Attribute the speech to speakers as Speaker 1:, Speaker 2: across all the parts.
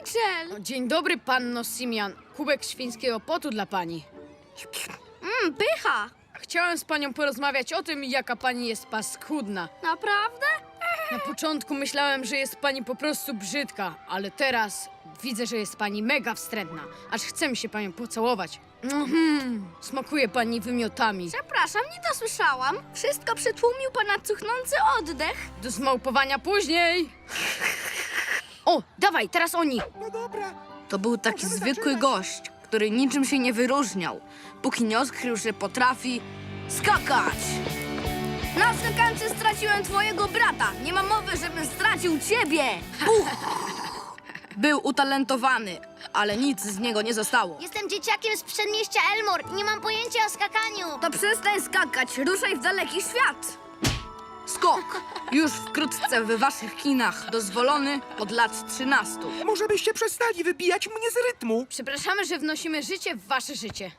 Speaker 1: Rachel!
Speaker 2: Dzień dobry, panno Simian. Kubek świńskiego potu dla pani.
Speaker 1: Pycha!
Speaker 2: Chciałem z panią porozmawiać o tym, jaka pani jest paskudna.
Speaker 1: Naprawdę?
Speaker 2: Na początku myślałem, że jest pani po prostu brzydka, ale teraz widzę, że jest pani mega wstrętna. Aż chce mi się panią pocałować. Smakuje pani wymiotami.
Speaker 1: Przepraszam, nie dosłyszałam. Wszystko przytłumił pana cuchnący oddech.
Speaker 2: Do zmałpowania później. O, dawaj, teraz oni.
Speaker 3: No dobra.
Speaker 4: To był taki zwykły gość, który niczym się nie wyróżniał, póki nie odkrył, że potrafi skakać. Na skakance straciłem twojego brata. Nie ma mowy, żebym stracił ciebie. Puch. Był utalentowany, ale nic z niego nie zostało.
Speaker 5: Jestem dzieciakiem z przedmieścia Elmore. Nie mam pojęcia o skakaniu.
Speaker 4: To przestań skakać, ruszaj w daleki świat. Skok. Już wkrótce w waszych kinach, dozwolony od lat 13.
Speaker 3: Może byście przestali wybijać mnie z rytmu?
Speaker 2: Przepraszamy, że wnosimy życie w wasze życie.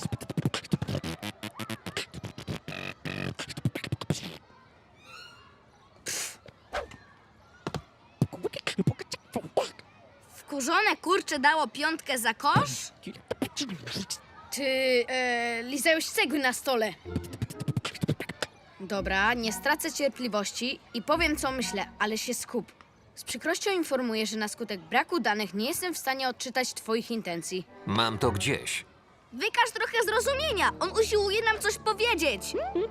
Speaker 4: Wkurzone kurcze dało piątkę za kosz?
Speaker 2: Czy lizałeś cegły na stole? Dobra, nie stracę cierpliwości i powiem, co myślę, ale się skup. Z przykrością informuję, że na skutek braku danych nie jestem w stanie odczytać twoich intencji.
Speaker 6: Mam to gdzieś.
Speaker 4: Wykaż trochę zrozumienia. On usiłuje nam coś powiedzieć.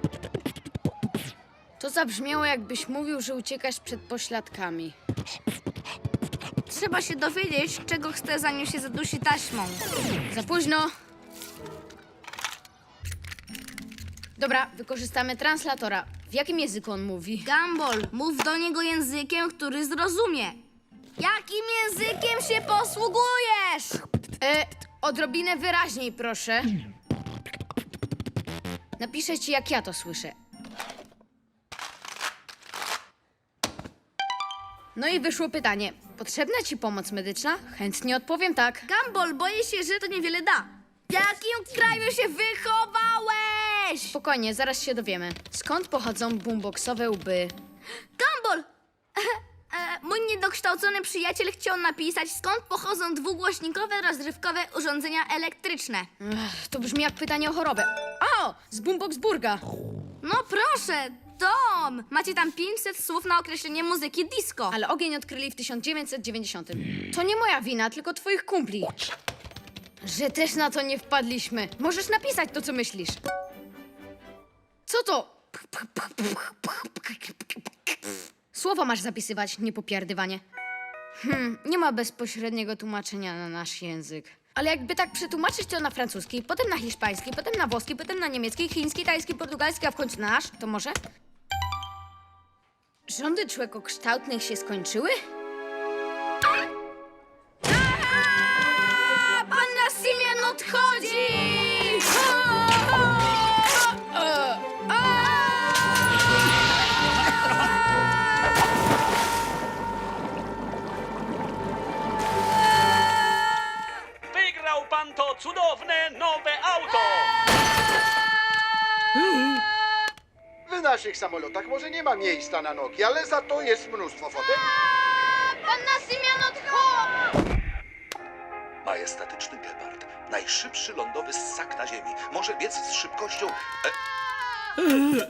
Speaker 2: To zabrzmiało, jakbyś mówił, że uciekasz przed pośladkami.
Speaker 4: Trzeba się dowiedzieć, czego chce, zanim się zadusi taśmą.
Speaker 2: Za późno. Dobra, wykorzystamy translatora. W jakim języku on mówi?
Speaker 4: Gumball, mów do niego językiem, który zrozumie. Jakim językiem się posługujesz?
Speaker 2: Odrobinę wyraźniej, proszę. Napiszę ci, jak ja to słyszę. No i wyszło pytanie. Potrzebna ci pomoc medyczna? Chętnie odpowiem tak.
Speaker 4: Gumball, boję się, że to niewiele da. W jakim kraju się wychowałeś?
Speaker 2: Spokojnie, zaraz się dowiemy. Skąd pochodzą boomboxowe łby?
Speaker 4: Gumball! Mój niedokształcony przyjaciel chciał napisać, skąd pochodzą dwugłośnikowe, rozrywkowe urządzenia elektryczne.
Speaker 2: To brzmi jak pytanie o chorobę. O! Z Boomboxburga!
Speaker 4: No proszę, Tom! Macie tam 500 słów na określenie muzyki disco.
Speaker 2: Ale ogień odkryli w 1990. To nie moja wina, tylko twoich kumpli. Że też na to nie wpadliśmy. Możesz napisać to, co myślisz. Co to? Słowo masz zapisywać, nie popierdywanie. Nie ma bezpośredniego tłumaczenia na nasz język. Ale jakby tak przetłumaczyć to na francuski, potem na hiszpański, potem na włoski, potem na niemiecki, chiński, tajski, portugalski, a w końcu na nasz, to może? Rządy człekokształtnych się skończyły?
Speaker 4: Panna Simian odchodzi!
Speaker 7: Wygrał pan to cudowne nowe auto!
Speaker 8: W naszych samolotach może nie ma miejsca na nogi, ale za to jest mnóstwo fotek.
Speaker 5: Panna Simian odchodzi!
Speaker 9: Majestatyczny gepard, najszybszy lądowy ssak na ziemi, może biec z szybkością...